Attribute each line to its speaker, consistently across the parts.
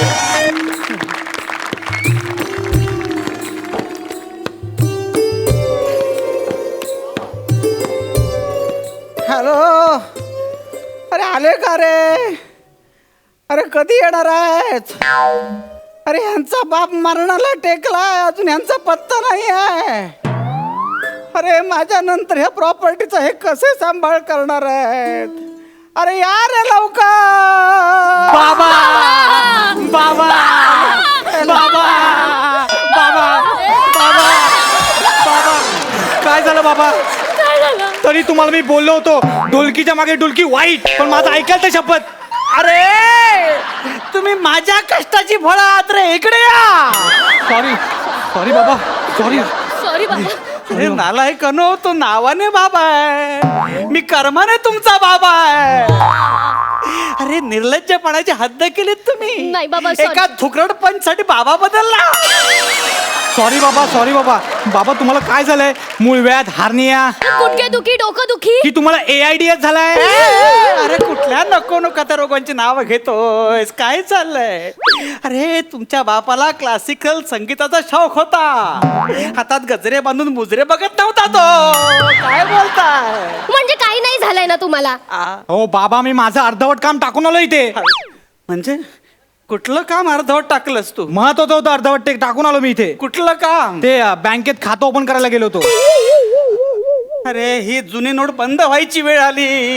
Speaker 1: Hello, अरे आले का रे? अरे कधी येणार आहेत? अरे ह्यांचा बाप मरणाला टेकलाय, अजून ह्यांचा पत्ता नाही आहे. अरे माझ्या नंतर ह्या प्रॉपर्टीचा हे कसे सांभाळ करणार आहेत? अरे या रे लवकर.
Speaker 2: बाबा बाबा बाबा बाबा बाबा बाबा काय झालं बाबा? तरी तुम्हाला मी बोललो होतो ढोलकीच्या मागे ढोलकी वाईट, पण माझं ऐकाल तर शपथ.
Speaker 1: अरे तुम्ही माझ्या कष्टाची फळं आहात रे, इकडे या.
Speaker 2: सॉरी सॉरी बाबा, सॉरी.
Speaker 3: सॉरी बाबा.
Speaker 1: अरे नालायकनो, तो नावाने बाबा आहे, मी कर्माने तुमचा बाबा आहे. अरे निर्लज्जपणाची हद्द केलीत तुम्ही.
Speaker 3: नाही बाबा, sorry.
Speaker 1: एका थुकरड पंच साठी बाबा बदलला.
Speaker 2: सॉरी बाबा, सॉरी बाबा. बाबा तुम्हाला काय झालंय? मूळव्याध, हार्निया
Speaker 3: गुडघे दुखी, डोकं दुखी.
Speaker 2: की तुम्हाला AIDS झालाय?
Speaker 1: अरे कुठल्या नको नको त्या रोगांची नावं घेतोयस? काय चाललंय? अरे तुमच्या बापाला क्लासिकल संगीताचा शौक होता, हातात गजरे बांधून मुजरे बघत नव्हता तो. काय बोलताय?
Speaker 3: म्हणजे काही नाही झालंय ना तुम्हाला?
Speaker 2: हो बाबा, मी माझं अर्धवट काम टाकून आलो इथे.
Speaker 1: म्हणजे कुठलं काम अर्धवट टाकलंस तू?
Speaker 2: महत्वाचं होतं, अर्धवट ते टाकून आलो मी इथे.
Speaker 1: कुठलं काम?
Speaker 2: ते बँकेत खातं ओपन करायला गेलो होतो.
Speaker 1: अरे ही जुनी नोट बंद व्हायची वेळ आली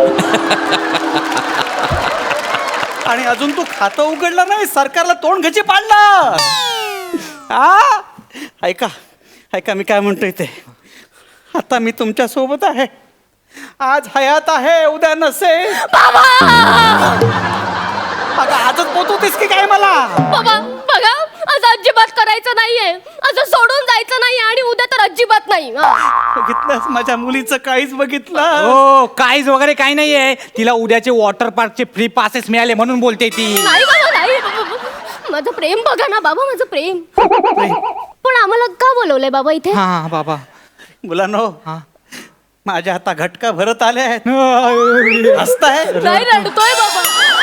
Speaker 1: आणि अजून तू खातं उघडलं नाही, सरकारला तोंड घची पाडलं. हा ऐका ऐका, मी काय म्हणतोय ते. आता मी तुमच्या सोबत आहे, आज हयात आहे उद्या नसे. अगं आजच पोचवतेस की काय मला?
Speaker 3: बाबा बघा, आज अजिबात करायचं नाहीये, आज सोडून जायचं नाही आणि उद्या तर अजिबात नाही.
Speaker 1: बघितलंस माझ्या मुलीचं काहीच बघितलं?
Speaker 2: हो, काहीच वगैरे काही नाहीये. तिला उद्याचे वॉटर पार्कचे फ्री पासेस मिळाले म्हणून बोलते ती.
Speaker 3: नाही बाबा, नाही. माझं प्रेम बघा ना बाबा, माझं प्रेम. पण आम्हाला का बोलवलंय बाबा इथे?
Speaker 2: हा बाबा.
Speaker 1: मुलांनो,
Speaker 2: हा.
Speaker 1: माझ्या आता घटका भरत आले आहेत. हसताय?
Speaker 3: नाही, रडतोय बाबा.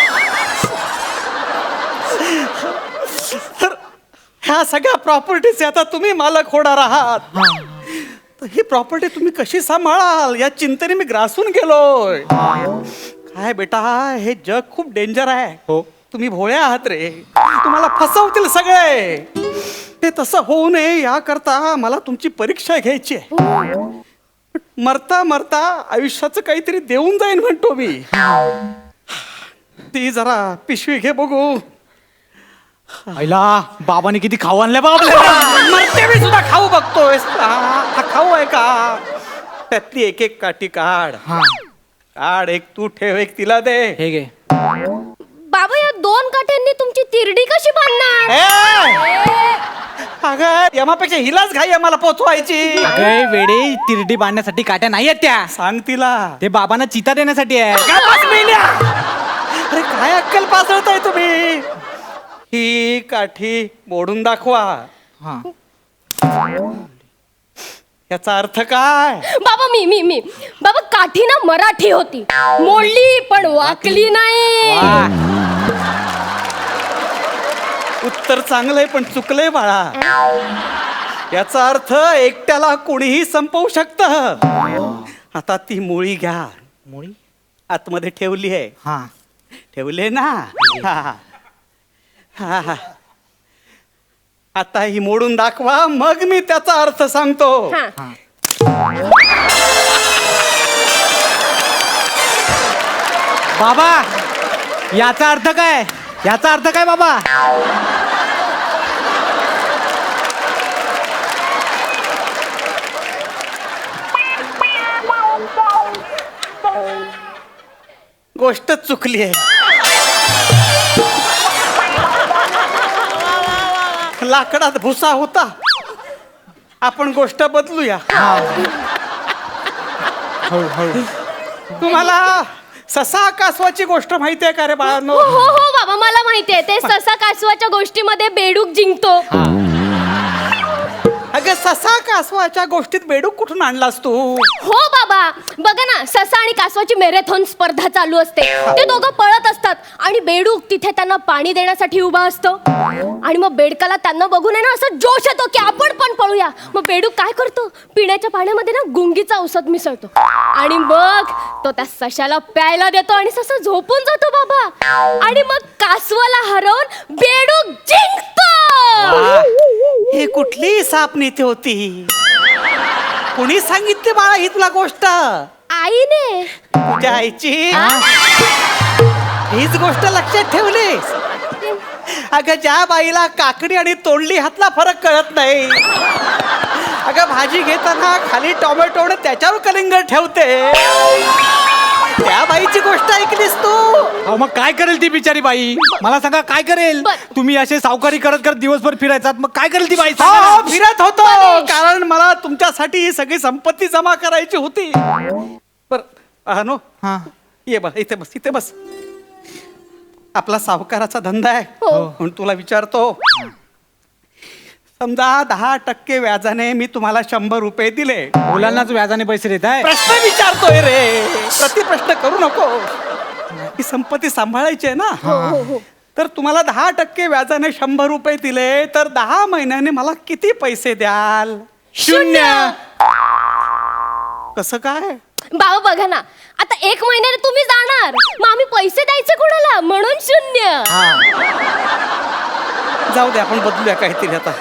Speaker 1: तर ह्या सगळ्या प्रॉपर्टीचे आता तुम्ही मालक होणार आहात. तर ही प्रॉपर्टी तुम्ही कशी सांभाळाल या चिंतेने मी ग्रासून गेलोय. काय बेटा, हे जग खूप डेंजर आहे.
Speaker 2: हो.
Speaker 1: तुम्ही भोळे आहात रे, तुम्हाला फसवतील सगळे. ते तसं होऊ नये याकरता मला तुमची परीक्षा घ्यायची आहे. मरता मरता आयुष्याचं काहीतरी देऊन जाईन म्हणतो मी. ती जरा पिशवी घे बघू.
Speaker 2: आईला बाबाने किती खाऊ आणलंय बाबा.
Speaker 1: मरते मी सुद्धा खाऊ बघतोय. हा खाऊ आहे का? त्यातली एक एक काठी काढ.
Speaker 2: हा,
Speaker 1: काढ, एक तू ठेव, एक तिला दे.
Speaker 2: हे घे.
Speaker 3: बाबा या दोन काठ्यांनी तुमची तिरडी कशी बांधणार?
Speaker 1: अगं यमापेक्षा हिलाच घाई आहे मला पोचवायची.
Speaker 2: अगं वेडे, तिरडी बांधण्यासाठी काट्या नाही आहेत त्या.
Speaker 1: सांग तिला.
Speaker 2: ते बाबांना चिता देण्यासाठी आहे.
Speaker 1: अरे काय अक्कल पासळताय तुम्ही? ही काठी मोडून दाखवा.
Speaker 2: हा.
Speaker 1: याचा अर्थ काय?
Speaker 3: बाबा मी बाबा, काठी ना मराठी होती, मोडली पण वाकली नाही.
Speaker 1: उत्तर चांगलंय पण चुकलंय बाळा. याचा अर्थ एकट्याला कोणीही संपवू शकतं. आता ती मुळी घ्या.
Speaker 2: मुळी
Speaker 1: आतमध्ये ठेवली आहे.
Speaker 2: हा.
Speaker 1: ठेवले ना? हा हा हा. आता ही मोडून दाखवा, मग मी त्याचा अर्थ सांगतो.
Speaker 3: हा.
Speaker 2: बाबा याचा अर्थ काय? याचा अर्थ काय बाबा?
Speaker 1: गोष्टच चुकली आहे. लाकडात भुसा होता, आपण गोष्ट बदलूया. तुम्हाला ससा कासवाची गोष्ट माहिती आहे का रे बाळांनो?
Speaker 3: हो हो हो बाबा, मला माहितीये. ते ससा कासवाच्या गोष्टीमध्ये बेडूक जिंकतो.
Speaker 1: अगं ससा कासवाच्या गोष्टीत बेडूक कुठून आणलास तू?
Speaker 3: हो बाबा, बघा ना, ससा आणि कासवाची मॅरेथॉन स्पर्धा चालू असते. ते दोघं पळत असतात आणि बेडूक तिथे त्यांना पाणी देण्यासाठी उभा असतो. आणि मग बेडकाला त्यांना बघून आहे ना असं जोश येतो की आपण पण पळूया. मग बेडूक काय करतो, पिण्याच्या पाण्यामध्ये ना गुंगीचा औषध मिसळतो आणि मग तो त्या सशाला प्यायला देतो आणि ससा झोपून जातो बाबा. आणि मग कासवाला हरवून बेडूक जिंकतो.
Speaker 1: हे कुठली साप नीती होती? कुणी सांगितली बाळा ही तुला गोष्ट?
Speaker 3: आईने.
Speaker 1: तुझ्या आईची हीच गोष्ट लक्षात ठेवलीस? अगं ज्या बाईला काकडी आणि तोंडली हातला फरक कळत नाही, अगं भाजी घेताना खाली टोमॅटो आणि त्याच्यावर कलिंगड ठेवते, त्या बाईची गोष्ट ऐकलीस तू?
Speaker 2: अहो मग काय करेल ती बिचारी बाई? मला सांगा काय करेल? तुम्ही असे सावकारी करत करत दिवसभर फिरायचात, मग काय करेल ती बाई? सांगा ना.
Speaker 1: हो, फिरत होतो कारण मला तुमच्यासाठी ही सगळी संपत्ती जमा करायची होती. नो
Speaker 2: हा.
Speaker 1: ये बस, इथे बस, इथे बस. आपला सावकाराचा धंदा आहे म्हणून तुला विचारतो. समजा 10% व्याजाने मी तुम्हाला 100 रुपये दिले.
Speaker 2: मुलांनाच व्याजाने पैसे देत आहे.
Speaker 1: प्रश्न विचारतोय रे, प्रतिप्रश्न करू नको. ही संपत्ती सांभाळायची आहे ना. तर तुम्हाला 10% व्याजाने 100 रुपये दिले तर 10 महिन्याने मला किती पैसे द्याल?
Speaker 2: 0.
Speaker 1: कसं काय?
Speaker 3: बाबा बघा ना, आता 1 महिन्याने तुम्ही जाणार, मग आम्ही पैसे द्यायचे कोणाला? म्हणून 0.
Speaker 1: जाऊ दे, आपण बदलूया काहीतरी आता.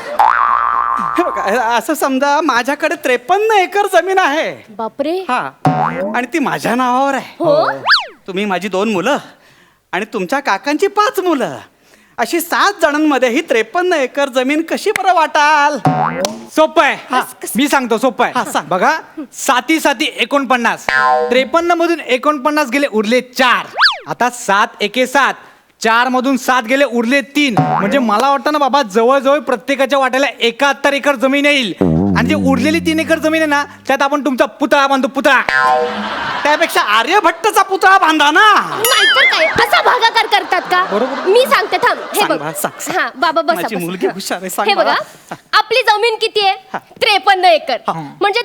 Speaker 1: हे बघा, असं समजा माझ्याकडे 53 एकर जमीन आहे.
Speaker 3: बापरे.
Speaker 1: हा, आणि ती माझ्या नावावर आहे.
Speaker 3: हो?
Speaker 1: तुम्ही माझी 2 मुलं आणि तुमच्या काकांची 5 मुलं, अशी 7 जणांमध्ये ही 53 एकर जमीन कशी बरं वाटाल?
Speaker 2: सोपं आहे. मी सांगतो, सोपं
Speaker 1: हा,
Speaker 2: आहे.
Speaker 1: सांग.
Speaker 2: बघा, 7 7 49. 53 मधून 49 गेले, उरले 4. आता 7 1 7. 4 मधून 7 गेले, उरले 3. म्हणजे मला वाटतं ना बाबा, जवळजवळ प्रत्येकाच्या वाट्याला 71 एकर जमीन येईल. आणि जे उरलेली 3 एकर जमीन आहे ना, त्यात आपण तुमचा पुतळा बांधतो, पुतळा.
Speaker 1: त्यापेक्षा आर्यभट्टचा पुतळा बांधा ना.
Speaker 3: नाहीतर काय, असा भागाकार करतात का?
Speaker 2: बरोबर.
Speaker 3: मी सांगते, थांब. हे
Speaker 1: सांग
Speaker 3: बघ.
Speaker 1: बा, सांग.
Speaker 3: हा बाबा बसा,
Speaker 1: माझी
Speaker 3: बसा.
Speaker 1: मुलगी हुशार आहे, सांग
Speaker 3: हे
Speaker 1: मला.
Speaker 3: बघा, आपली जमीन किती आहे? 53 एकर. म्हणजे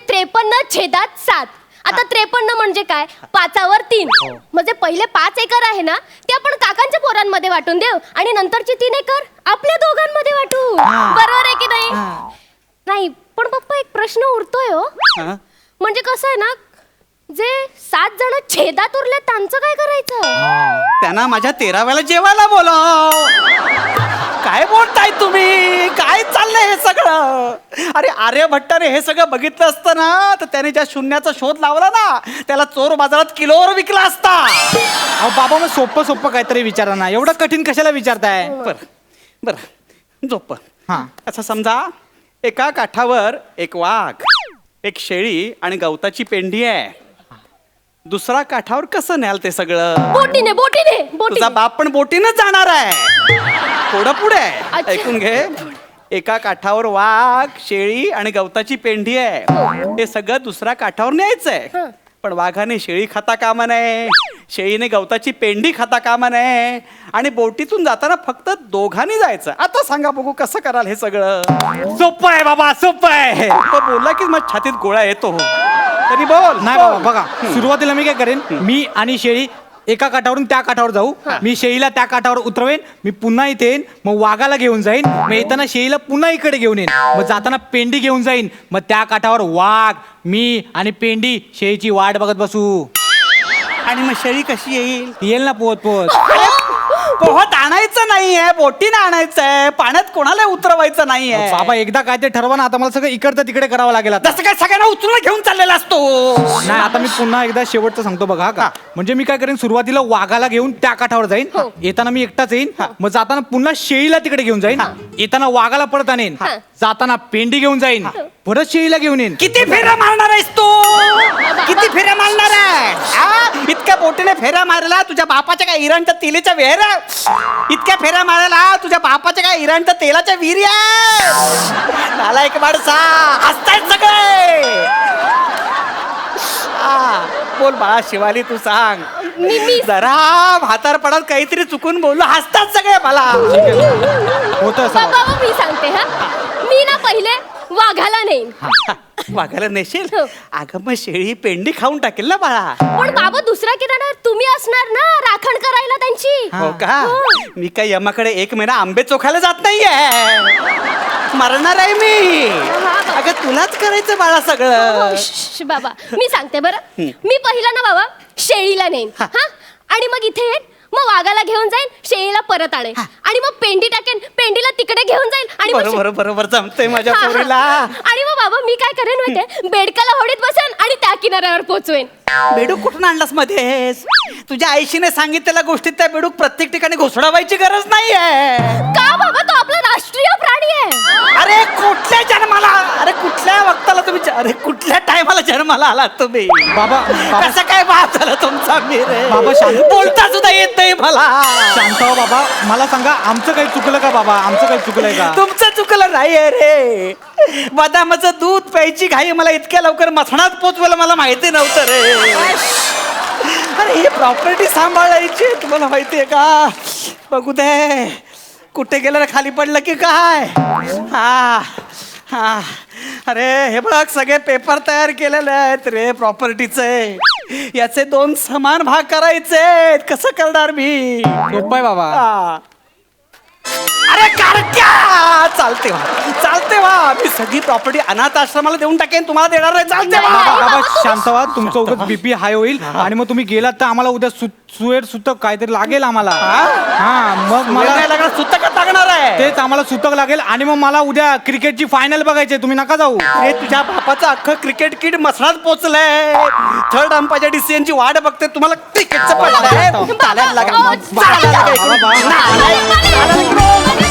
Speaker 3: 53/7. आता 53 म्हणजे काय? 5वर 3. म्हणजे पहिले 5 एकर आहे ना, ते आपण काकांच्या पोरांमध्ये वाटून देऊ आणि नंतरची 3 एकर आपल्या दोघांमध्ये वाटू. बरोबर आहे की नाही? नाही, पण पप्पा एक प्रश्न उरतोय हो.
Speaker 1: हा?
Speaker 3: म्हणजे कसं आहे ना, जे 7 जण छेदात उरले त्यांचं काय करायचं?
Speaker 1: त्यांना माझ्या 13व्याला जेवायला बोलाव. काय बोलताय तुम्ही? काय चाललंय हे सगळं? अरे आर्यभट्टाने हे सगळं बघितलं असतं ना, तर त्याने ज्या शून्याचा शोध लावला ना, त्याला चोर बाजारात किलोवर विकला असता.
Speaker 2: अहो बाबा, मग सोपं सोपं काहीतरी विचारा ना, एवढं कठीण कशाला विचारताय?
Speaker 1: बर झोप.
Speaker 2: हा.
Speaker 1: असं समजा, एका काठावर एक वाघ, एक शेळी आणि गवताची पेंडी आहे. दुसरा काठावर कसं न्याल ते सगळं?
Speaker 3: बोटीने.
Speaker 1: तुझा बाप पण बोटीनच जाणार आहे. थोडं पुढे आहे.
Speaker 3: अच्छा.
Speaker 1: ऐकून घे. एका काठावर वाघ, शेळी आणि गवताची पेंडी आहे. हे सगळं दुसऱ्या काठावर न्यायचंय. पण वाघाने शेळी खाता कामा नये, शेळीने गवताची पेंडी खाता कामा नये, आणि बोटीतून जाताना फक्त दोघांनी जायचं. आता सांगा बघू कसं कराल हे सगळं?
Speaker 2: सोपं आहे बाबा, सोपं आहे.
Speaker 1: तो बोलला की मग छातीत गोळा येतो. तरी बोल.
Speaker 2: नाही बाबा, बघा, सुरुवातीला मी काय करेन, मी आणि शेळी एका काठावरून त्या काठावर जाऊ. मी शेळीला त्या काठावर उतरवेन, मी पुन्हा इथे येईन, मग वाघाला घेऊन जाईन, मग येताना शेळीला पुन्हा इकडे घेऊन येईन, मग जाताना पेंडी घेऊन जाईन, मग त्या काठावर वाघ, मी आणि पेंडी शेळीची वाट बघत बसू.
Speaker 1: आणि मग शेळी कशी येईल?
Speaker 2: येईल ना पोहत पोहत.
Speaker 1: पोहत आणायचं नाहीये, बोटीनं आणायचंय. पाण्यात कोणाला उतरवायचं नाहीये.
Speaker 2: बाबा एकदा काय ते ठरवा ना, आता मला सगळं इकडचं तिकडे करावं लागेल आता.
Speaker 1: तसं काय सगळ्यांना उचलून घेऊन चाललेला असतो?
Speaker 2: नाही, आता मी पुन्हा एकदा शेवटचं सांगतो बघा का. म्हणजे मी काय करेन, सुरुवातीला वाघाला घेऊन त्या काठावर जाईन, येताना मी एकटाच येईन, मग जाताना पुन्हा शेळीला तिकडे घेऊन जाईन, येताना वाघाला परत आणेन, जाताना पेंडी घेऊन जाईन, परत शेळीला घेऊन येईन.
Speaker 1: किती फेऱ्या मारणार आहेस तू? किती फेऱ्या मारणार आहे? इतक्या बोटीने फेऱ्या मारला तुझ्या बापाच्या काय इराणच्या तेलाच्या विहीर? इतक्या फेऱ्या मारायला तुझ्या बापाच्या काय इराणच्या तेलाच्या विहिरी आहे? नालायक माणसा, हसतायत सगळे. बोल बाळा शिवाली, तू सांग.
Speaker 3: मी
Speaker 1: जरा म्हातारपणात काहीतरी चुकून बोललो, हसतात सगळे मला.
Speaker 2: होतं असं बाबा.
Speaker 3: बाबा मी सांगते हा, मी ना पहिले वाघाला नेईन.
Speaker 1: वाघाला नेशील
Speaker 3: हो.
Speaker 1: अगं मग शेळी पेंडी खाऊन टाकेल ना बाळा.
Speaker 3: पण बाबा दुसरा किनारा तुम्ही असणार ना राखण करायला त्यांची.
Speaker 1: हो का?
Speaker 3: हो.
Speaker 1: मी काय यमाकडे 1 महिना आंबे चोखायला जात नाहीये. मरणार आहे मी.
Speaker 3: बाबा.
Speaker 1: अगं तुलाच करायचं बाळा
Speaker 3: हो,
Speaker 1: सगळं.
Speaker 3: श्श, बाबा मी सांगते बरं, मी पहिला ना बाबा शेळीला नेईन हा, आणि मग इथे येईन, मग वाघाला घेऊन जाईन, शेळीला परत आणेन, आणि मग पेंडी टाकेन, पेंडीला तिकडे घेऊन जाईन, आणि मग
Speaker 1: बरोबर बरोबर जमतंय माझ्या
Speaker 3: हा, हा.
Speaker 1: पोरीला.
Speaker 3: आणि मग बाबा मी काय करेन माहितीये, बेडकाला होडीत बसेन आणि त्या किनाऱ्यावर पोचवेन.
Speaker 1: बेडूक कुठून आणलास मध्येच? तुझ्या आईशीने सांगितलेल्या गोष्टीत त्या बेडूक प्रत्येक ठिकाणी घुसडावायची गरज नाहीये.
Speaker 3: का बाबा, तो आपला राष्ट्रीय प्राणी आहे.
Speaker 1: अरे कुठल्या जन्माला, अरे कुठल्या वक्ताला तुम्ही, अरे कुठल्या टायमाला जन्माला आलात तुम्ही?
Speaker 2: बाबा बाबा
Speaker 1: कसं काय बाप झाला तुमचा मी रे?
Speaker 2: बाबा, शांत.
Speaker 1: बोलता सुद्धा येत नाही मला.
Speaker 2: शांत हो बाबा, मला सांगा आमचं काही चुकलं का बाबा? आमचं काही चुकलंय का?
Speaker 1: तुमचं चुकलं नाहीये रे. बदामाचं दूध प्यायची घाई मला इतक्या लवकर मसणात पोचवायला मला माहिती नव्हतं रे. अरे ही प्रॉपर्टी सांभाळायची तुम्हाला माहितीये का? बघू दे कुठे गेलं रे, खाली पडलं की काय? हा हा, अरे हे बघ सगळे पेपर तयार केलेले आहेत रे प्रॉपर्टीचे. याचे 2 समान भाग करायचे. कसं करणार मी?
Speaker 2: सोपं आहे बाबा.
Speaker 1: हा. अरे कारक्या, चालते वा मी सगळी प्रॉपर्टी अनाथ आश्रमाला देऊन टाकेन, तुम्हाला देणार नाही. चालते वा.
Speaker 2: बाबा बाबा शांत व्हा, तुमचं उगाच बीपी हाय होईल आणि मग तुम्ही गेलात तर आम्हाला उद्या सुएर सुतक काहीतरी लागेल आम्हाला. हा मग मला
Speaker 1: मला लागणार, सुतकच लागणार आहे.
Speaker 2: तेच आम्हाला सुतक लागेल आणि मग मला उद्या क्रिकेटची फायनल बघायची, तुम्ही नका जाऊ.
Speaker 1: हे तुझ्या बापाचं अख्खं क्रिकेट किट मसणात पोचलंय. 3rd अंपायरच्या डिसिजनची वाट बघते. तुम्हाला क्रिकेटचं पडलंय. चालायला लागा.
Speaker 3: अहो,
Speaker 1: चालायला लागा
Speaker 3: चालायला
Speaker 1: इकडून.
Speaker 2: बाबा.
Speaker 1: चालायला लागा.